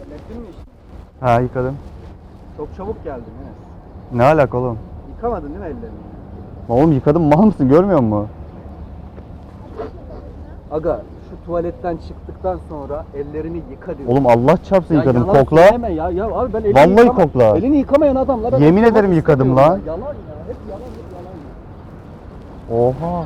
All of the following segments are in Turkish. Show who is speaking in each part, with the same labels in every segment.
Speaker 1: Hallettin mi işi?
Speaker 2: Ha yıkadım.
Speaker 1: Çok çabuk geldin Enes.
Speaker 2: Ne alaka oğlum?
Speaker 1: Yıkamadın değil mi ellerini?
Speaker 2: Oğlum yıkadım, mal mısın, görmüyor musun?
Speaker 1: Aga şu tuvaletten çıktıktan sonra ellerini yıka diyor.
Speaker 2: Oğlum Allah çarpsın yıkadım,
Speaker 1: yalan
Speaker 2: kokla.
Speaker 1: söyleme ya abi ben elini
Speaker 2: Vallahi kokla.
Speaker 1: Elini yıkamayan adamlara ben
Speaker 2: Yemin
Speaker 1: yıkamak
Speaker 2: ederim yıkadım
Speaker 1: istemiyorum
Speaker 2: lan.
Speaker 1: ya. Yalan ya, hep yalan ya.
Speaker 2: Oha.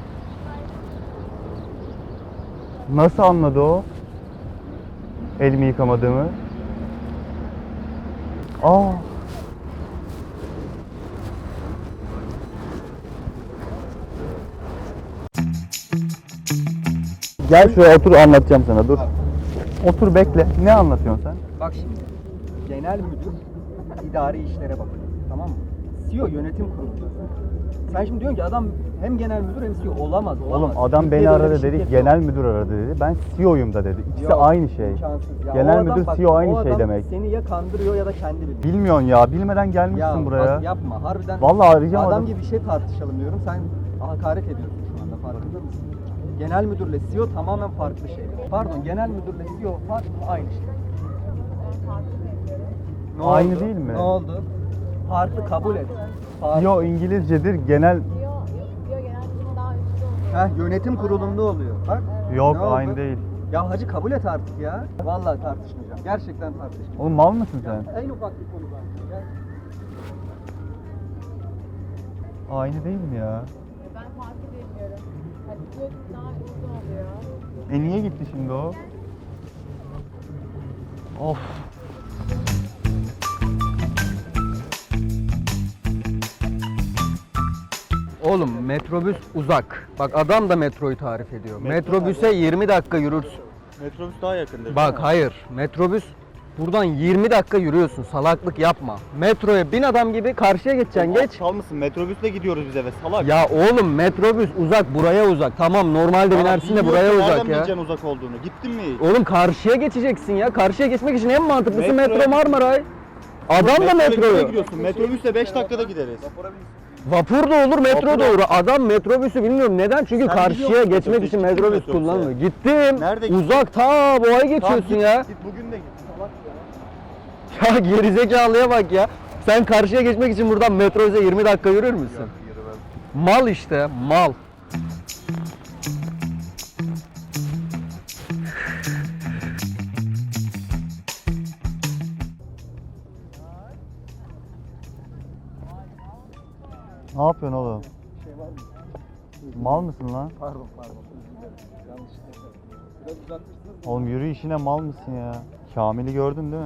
Speaker 2: Nasıl anladı o? Elimi yıkamadığımı. Aa. Gel şuraya otur, anlatacağım sana, dur. Otur bekle. Ne anlatıyorsun sen?
Speaker 1: Bak şimdi, genel müdür idari işlere bakıyor, tamam mı? CEO yönetim kurulu. Sen şimdi diyorsun ki adam hem genel müdür hem CEO olamaz.
Speaker 2: Oğlum adam beni
Speaker 1: Türkiye'de öyle
Speaker 2: aradı
Speaker 1: bir
Speaker 2: dedi,
Speaker 1: şirket
Speaker 2: genel
Speaker 1: yok.
Speaker 2: müdür aradı dedi. Ben CEO'yum da dedi. İkisi
Speaker 1: Yok,
Speaker 2: aynı şey.
Speaker 1: imkansız ya.
Speaker 2: Genel
Speaker 1: O adam
Speaker 2: müdür,
Speaker 1: bak,
Speaker 2: CEO
Speaker 1: o
Speaker 2: aynı şey
Speaker 1: adam
Speaker 2: demek.
Speaker 1: Seni ya kandırıyor ya da kendi biliyor.
Speaker 2: Bilmiyorsun ya, bilmeden gelmişsin
Speaker 1: Ya
Speaker 2: buraya.
Speaker 1: bak yapma harbiden.
Speaker 2: Vallahi arayacağım
Speaker 1: Adam
Speaker 2: adam.
Speaker 1: gibi bir şey tartışalım diyorum. Sen hakaret ediyorsun şu anda, farkında mısın? Genel müdürle CEO tamamen farklı şeyler. Pardon, genel müdürle CEO farklı mı? Aynı şey. Ne
Speaker 2: Aynı
Speaker 1: oldu?
Speaker 2: değil mi?
Speaker 1: Ne oldu? Farklı kabul et. Farklı.
Speaker 2: CEO İngilizcedir, genel
Speaker 1: Yönetim kurulunda oluyor. Bak.
Speaker 2: yok
Speaker 1: ne oldu?
Speaker 2: aynı değil.
Speaker 1: Ya hacı kabul et artık ya. Vallahi tartışmayacağım. Gerçekten tartışmayacağım.
Speaker 2: Oğlum mal mısın sen?
Speaker 1: En ufak bir konu zaten. Gel.
Speaker 2: Aynı değil mi ya?
Speaker 3: Ben fark edemiyorum. Hadi diyor daha üstü oluyor.
Speaker 2: Niye gitti şimdi o? Of.
Speaker 1: Oğlum metrobüs uzak. Bak adam da metroyu tarif ediyor.
Speaker 2: Metro
Speaker 1: Metrobüse 20 dakika yürürsün.
Speaker 2: Metrobüs daha yakındır.
Speaker 1: Bak hayır. Metrobüs buradan 20 dakika yürüyorsun. Salaklık yapma. Metroya bin adam gibi karşıya geçeceksin. Geç.
Speaker 2: Çal mısın? Metrobüsle gidiyoruz biz eve, salak.
Speaker 1: Ya oğlum metrobüs uzak, buraya uzak. Tamam normalde binersin de buraya uzak ya.
Speaker 2: Nereden uzak olduğunu? Gittin mi hiç?
Speaker 1: Oğlum karşıya geçeceksin ya. Karşıya geçmek için en mantıklısı
Speaker 2: Metro.
Speaker 1: metro Marmaray. Adam da metroyu.
Speaker 2: gidiyorsun. Metrobüsle 5 dakikada gideriz.
Speaker 1: Vapur da olur, metro da olur. Adam metrobüsü bilmiyorum neden? Çünkü
Speaker 2: Sen
Speaker 1: karşıya
Speaker 2: biliyor musun
Speaker 1: geçmek
Speaker 2: metrobüsü?
Speaker 1: için
Speaker 2: Gittin mi
Speaker 1: metrobüs
Speaker 2: metrobüse?
Speaker 1: kullanılıyor. Gittim.
Speaker 2: Nerede gittin?
Speaker 1: Uzak ta boğaya geçiyorsun ya.
Speaker 2: Git bugün de git. Salak ya.
Speaker 1: Ya gerizekalıya bak ya. Sen karşıya geçmek için buradan metroya 20 dakika yürür müsün? Mal işte, mal.
Speaker 2: Ne yapıyorsun oğlum? Mal mısın lan?
Speaker 1: Pardon, özür dilerim. Yanlışlıkla. Biraz uzatırsınız.
Speaker 2: Oğlum yürü işine, mal mısın ya? Kamil'i gördün değil mi?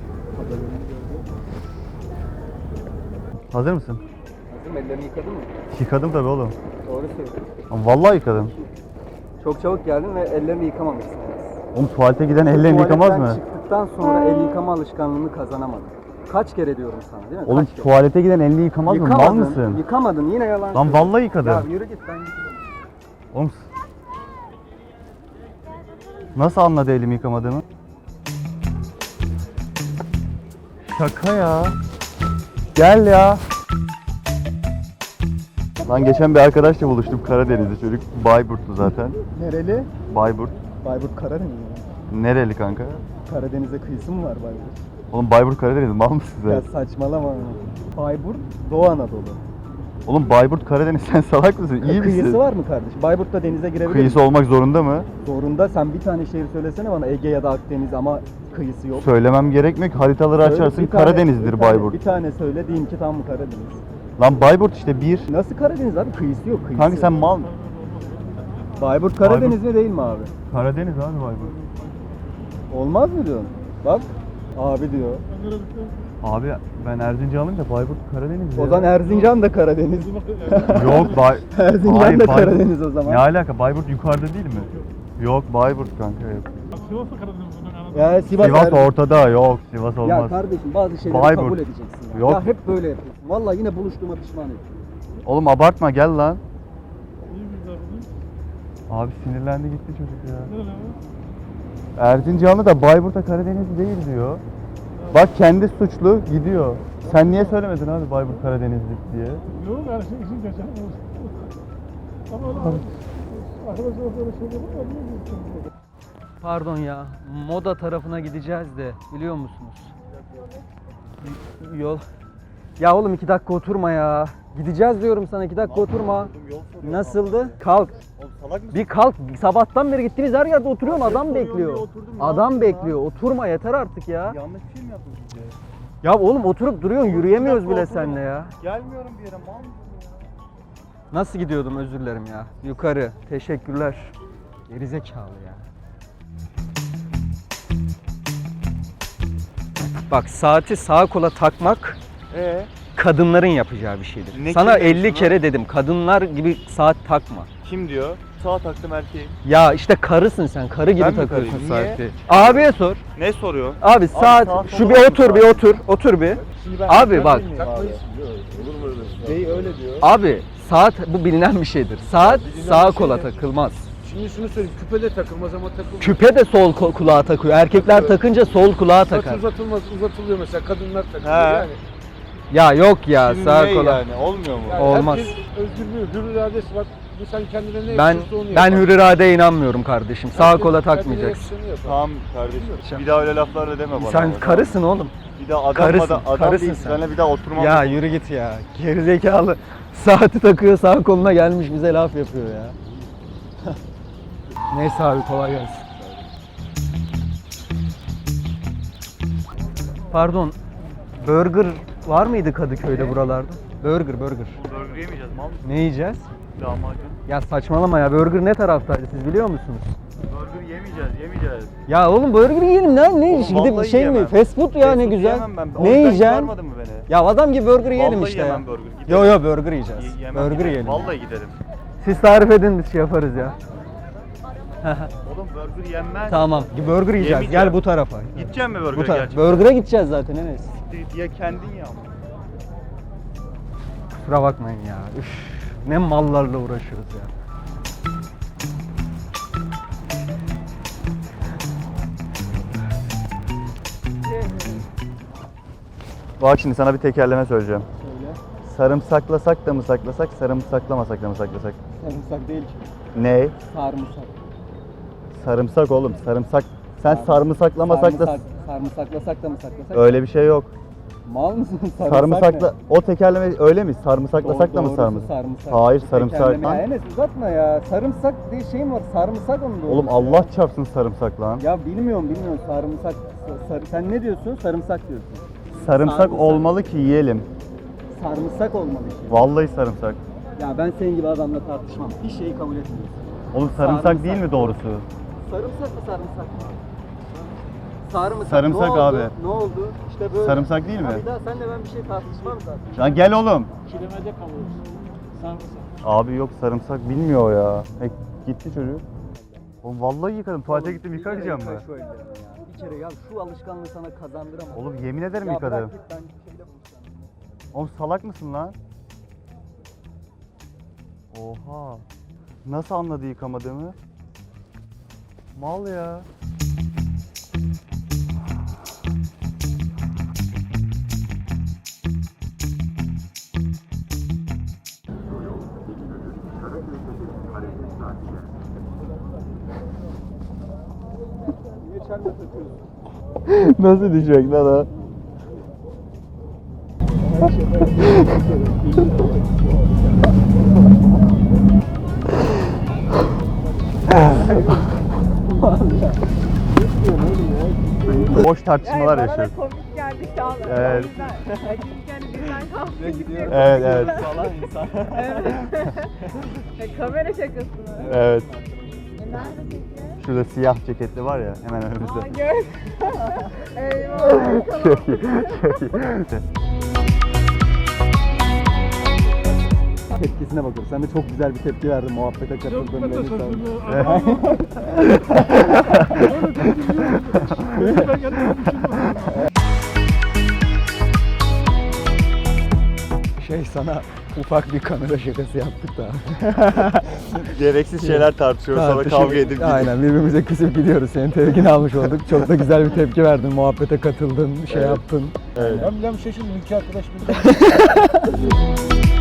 Speaker 2: Hazır mısın?
Speaker 1: Hazır, ellerini yıkadın mı?
Speaker 2: Yıkadım tabii oğlum.
Speaker 1: Doğru söylüyorsun.
Speaker 2: Ama vallahi yıkadım.
Speaker 1: Çok çabuk geldin ve ellerini yıkamamışsın.
Speaker 2: Oğlum tuvalete giden ellerini yıkamaz
Speaker 1: Tuvaletten
Speaker 2: mı?
Speaker 1: çıktıktan sonra el yıkama alışkanlığını kazanamadın. Kaç kere diyorum sana değil mi?
Speaker 2: Oğlum
Speaker 1: Kaç kere?
Speaker 2: tuvalete giden elini yıkamaz mı? Mal mısın?
Speaker 1: Yıkamadın, yine yalan
Speaker 2: Lan
Speaker 1: söylüyorsun.
Speaker 2: vallahi yıkadım.
Speaker 1: Ya yürü git, ben gidiyorum.
Speaker 2: Oğlum nasıl anladı elimi yıkamadığımı? Şaka ya. Gel ya. Lan geçen bir arkadaşla buluştum, Karadenizli çocuk. Bayburtlu zaten.
Speaker 1: Nereli?
Speaker 2: Bayburt.
Speaker 1: Bayburt Karadeniz mi?
Speaker 2: Nereli kanka?
Speaker 1: Karadeniz'e kıyısı mı var Bayburt?
Speaker 2: Oğlum Bayburt Karadeniz, mal mısın sen?
Speaker 1: Ya saçmalama. Bayburt Doğu Anadolu.
Speaker 2: Oğlum Bayburt Karadeniz, sen salak mısın? İyi misin?
Speaker 1: Kıyısı var mı kardeşim? Bayburt'ta denize girebilir
Speaker 2: Kıyısı
Speaker 1: misin?
Speaker 2: olmak zorunda mı?
Speaker 1: Zorunda. Sen bir tane şehir söylesene bana, Ege ya da Akdeniz, ama kıyısı yok.
Speaker 2: Söylemem gerekmiyor ki, haritaları
Speaker 1: Söyle,
Speaker 2: açarsın,
Speaker 1: bir tane-
Speaker 2: Karadeniz'dir
Speaker 1: bir tane-
Speaker 2: Bayburt.
Speaker 1: Bir tane söyle diyeyim ki tam mı Karadeniz?
Speaker 2: Lan Bayburt işte bir.
Speaker 1: Nasıl Karadeniz abi? Kıyısı yok, kıyısı.
Speaker 2: Kanka sen mal.
Speaker 1: Bayburt Karadeniz mi değil mi abi?
Speaker 2: Karadeniz abi Bayburt.
Speaker 1: Olmaz mı diyorsun? Bak abi diyor.
Speaker 2: Abi ben Erzincanlıyım da Bayburt Karadeniz ya.
Speaker 1: O zaman Erzincan da Karadeniz.
Speaker 2: Yok
Speaker 1: Erzincan
Speaker 2: Hayır,
Speaker 1: da
Speaker 2: Bayburt-
Speaker 1: Karadeniz o zaman.
Speaker 2: Ne alaka? Bayburt yukarıda değil mi? Yok Bayburt kanka yok.
Speaker 1: Ya Sivas,
Speaker 2: Sivas
Speaker 1: Erzincan.
Speaker 2: ortada, yok Sivas olmaz.
Speaker 1: Ya kardeşim bazı şeyleri
Speaker 2: Bayburt.
Speaker 1: kabul edeceksin ya.
Speaker 2: Yok.
Speaker 1: Ya hep böyle yapıyorsun. Vallahi yine buluştuğuma pişman ediyorum.
Speaker 2: Oğlum abartma, gel lan. Abi sinirlendi gitti çocuk ya. Erzincanlı da Bayburt'a Karadeniz değil diyor. Bak kendi suçlu gidiyor. Sen niye söylemedin abi Bayburt Karadenizlik diye?
Speaker 4: Yok her şey için geçen olsun. Ama öyle arkadaşlar böyle şeyler var.
Speaker 1: Pardon ya, moda tarafına gideceğiz de biliyor musunuz? Yol. Ya oğlum 2 dakika oturma ya. Gideceğiz diyorum sana, 2 dakika oturma. Nasıldı? Kalk.
Speaker 2: Salak mısın?
Speaker 1: Bir kalk. Sabahtan beri gittiğiniz her yerde oturuyorsun. Adam bekliyor.
Speaker 2: oturdum, ne
Speaker 1: Adam
Speaker 2: yapayım
Speaker 1: bekliyor. Oturma yeter artık ya.
Speaker 2: Yanlış bir şey mi yaptın sizce?
Speaker 1: Ya oğlum oturup duruyorsun. Yürüyemiyoruz
Speaker 2: Bir dakika
Speaker 1: bile
Speaker 2: oturdum.
Speaker 1: seninle ya.
Speaker 2: Gelmiyorum bir yere, mal mısın ya?
Speaker 1: Nasıl gidiyordum, özür dilerim ya. Yukarı. Teşekkürler. Gerizekalı ya. Bak, saati sağa kola takmak kadınların yapacağı bir şeydir.
Speaker 2: Ne
Speaker 1: Sana
Speaker 2: kim demiş
Speaker 1: 50
Speaker 2: bunu?
Speaker 1: kere dedim, kadınlar gibi saat takma.
Speaker 2: Kim diyor? Sağa taktım erkeği.
Speaker 1: Ya işte karısın sen, karı gibi
Speaker 2: Ben mi
Speaker 1: takıyorsun
Speaker 2: karıyım? Niye?
Speaker 1: saati. Abiye sor.
Speaker 2: Ne soruyor?
Speaker 1: Abi saat,
Speaker 2: saat
Speaker 1: şu
Speaker 2: olur
Speaker 1: bir
Speaker 2: mu
Speaker 1: otur, bir
Speaker 2: saat?
Speaker 1: otur bir. Abi bak,
Speaker 2: Bey öyle diyor.
Speaker 1: abi saat bu bilinen bir şeydir. Saat sağa kola takılmaz.
Speaker 4: Şimdi şunu söyleyeyim, küpe de takılmaz ama takılmaz.
Speaker 1: Küpe de sol kulağa takıyor. Erkekler takınca sol kulağa
Speaker 4: Saç
Speaker 1: takar.
Speaker 4: uzatılmaz, uzatılıyor mesela, kadınlar takıyor
Speaker 2: He.
Speaker 4: yani.
Speaker 1: Ya yok ya,
Speaker 2: Şimdi
Speaker 1: sağa
Speaker 2: ne
Speaker 1: kola.
Speaker 2: yani? Olmuyor mu?
Speaker 4: Yani
Speaker 1: Olmaz.
Speaker 4: Herkes özgürlüğü, hür iradesi var. Bu sen kendine ne
Speaker 1: Ben
Speaker 4: yakışırsa onu
Speaker 1: ben
Speaker 4: yapar.
Speaker 1: hür iradeye inanmıyorum kardeşim. Sağa
Speaker 4: Herkes
Speaker 1: kola
Speaker 4: kendine
Speaker 1: takmayacaksın.
Speaker 4: yakışanı yapar.
Speaker 2: Tamam kardeşim. Bir daha öyle laflarla deme bana.
Speaker 1: Sen
Speaker 2: ama.
Speaker 1: karısın oğlum.
Speaker 2: Bir daha adam
Speaker 1: karısın,
Speaker 2: adam
Speaker 1: karısın
Speaker 2: değil.
Speaker 1: sen.
Speaker 2: Seninle bir daha oturmam.
Speaker 1: Ya yürü git ya. Gerizekalı. Saati takıyor, sağ koluna gelmiş bize laf yapıyor ya. Neyse abi, kolay gelsin. Pardon. Burger var mıydı Kadıköy'de buralarda? Burger.
Speaker 2: Burger yemeyeceğiz mal mısın?
Speaker 1: Ne yiyeceğiz?
Speaker 2: Lahmacun.
Speaker 1: Ya saçmalama ya. Burger ne taraftaydı siz biliyor musunuz?
Speaker 2: Burger yemeyeceğiz.
Speaker 1: Ya oğlum burger yiyelim lan. Ne iş? Gidip
Speaker 2: vallahi
Speaker 1: şey mi?
Speaker 2: yemem.
Speaker 1: Fast food ya,
Speaker 2: Fast
Speaker 1: ne
Speaker 2: food
Speaker 1: güzel.
Speaker 2: yemem ben. O
Speaker 1: Ne
Speaker 2: yüzden
Speaker 1: yiyeceksin?
Speaker 2: çağırmadın mı beni?
Speaker 1: Ya adam gibi burger yiyelim
Speaker 2: Vallahi
Speaker 1: işte ya.
Speaker 2: yemem burger. Gidelim.
Speaker 1: Yo burger yiyeceğiz.
Speaker 2: Yemem,
Speaker 1: Burger
Speaker 2: gidelim.
Speaker 1: yiyelim.
Speaker 2: Vallahi gidelim.
Speaker 1: Siz tarif edin, biz şey yaparız ya.
Speaker 2: Oğlum burger yenmez.
Speaker 1: Tamam. Burger yiyeceğiz.
Speaker 2: Yemeyeceğim.
Speaker 1: Gel bu tarafa.
Speaker 2: Gideceğim mi burger
Speaker 1: Bu tarafa.
Speaker 2: gerçekten?
Speaker 1: Burger'a gideceğiz zaten Enes.
Speaker 2: Diye kendin ya.
Speaker 1: Kusura bakmayın ya. Üf, ne mallarla uğraşıyoruz ya.
Speaker 2: Bak şimdi sana bir tekerleme söyleyeceğim. Sarımsaklasak da mı saklasak, sarımsaklamasak da mı saklasak?
Speaker 1: Sarımsak değil ki.
Speaker 2: Ne?
Speaker 1: Sarımsak.
Speaker 2: Sarımsak oğlum, sarımsak. Sen sarımsaklamasak da
Speaker 1: Sarımsaklasak da mı saklasak?
Speaker 2: öyle bir şey yok.
Speaker 1: Mal mısın?
Speaker 2: Sarımsakla o tekerleme öyle mi? Sarımsaklasak da mı sarımsak?
Speaker 1: Sarımsak.
Speaker 2: Hayır, sarımsak.
Speaker 1: Tekerleme. Ya Enes uzatma ya. Sarımsak diye şey mi var? Sarımsak onu da
Speaker 2: Oğlum Allah çarpsın sarımsak lan.
Speaker 1: Ya bilmiyorum sarımsak. Sen ne diyorsun? Sarımsak diyorsun.
Speaker 2: Sarımsak
Speaker 1: sarımsak.
Speaker 2: olmalı ki yiyelim.
Speaker 1: Sarımsak olmalı ki.
Speaker 2: Vallahi sarımsak.
Speaker 1: Ya ben senin gibi adamla tartışmam. Bir şeyi kabul etmiyorsun.
Speaker 2: Oğlum sarımsak
Speaker 1: Sarımsak.
Speaker 2: değil mi doğrusu?
Speaker 1: Sarımsak mı sarımsak mı? Sarımsak.
Speaker 2: Sarımsak
Speaker 1: ne oldu?
Speaker 2: abi.
Speaker 1: Ne oldu? İşte böyle.
Speaker 2: Sarımsak değil mi?
Speaker 1: Ha, bir daha senle ben bir şey tartışmam zaten.
Speaker 2: Lan gel oğlum.
Speaker 4: Kilimede kalıyorsun. Sarımsak.
Speaker 2: Abi yok sarımsak bilmiyor ya. Gitti çocuk. Oğlum vallahi yıkadım. Tuvalete gittim yıkayacağım mı?
Speaker 1: Şu ellerini ya. Bir kere ya şu alışkanlığı sana kazandıramam.
Speaker 2: Oğlum yemin ederim
Speaker 1: ya
Speaker 2: yıkadım.
Speaker 1: bırak git, ben şeyle buluşacağım.
Speaker 2: Oğlum salak mısın lan? Oha. Nasıl anladı yıkamadığımı? Mal ya.
Speaker 1: Niye çelme takıyorsun?
Speaker 2: Nasıl düşecek lan o? Boş tartışmalar yaşıyoruz.
Speaker 3: Bana komik geldi şu an.
Speaker 2: Evet.
Speaker 3: O yüzden, yani birden kalktı gidiyor.
Speaker 2: Evet evet.
Speaker 1: Falan insan.
Speaker 3: Kamera şakası mı?
Speaker 2: Evet.
Speaker 3: Nerede peki?
Speaker 2: Şurada siyah ceketli var ya hemen önümüzde.
Speaker 3: Aa gör. Eyvah.
Speaker 2: Çok iyi. Çok iyi.
Speaker 1: Tepkisine bakıyorum. Sen de çok güzel bir tepki verdin muhabbete
Speaker 4: Yok
Speaker 1: katıldığın
Speaker 4: ben de
Speaker 1: belli
Speaker 4: sözümü
Speaker 1: sen.
Speaker 4: anlamadım. Öyle tepki veriyorum. Ben kendim düşünmüyorum.
Speaker 1: Sana ufak bir kamera şakası yaptık da.
Speaker 2: Gereksiz şeyler tartışıyoruz sonra kavga edip gidiyoruz.
Speaker 1: Aynen birbirimize küsüp gidiyoruz. Senin tepkini almış olduk. Çok da güzel bir tepki verdin. Muhabbete katıldın, şey yaptın.
Speaker 2: Evet.
Speaker 4: Ben bir şaşırdım. İki arkadaş bir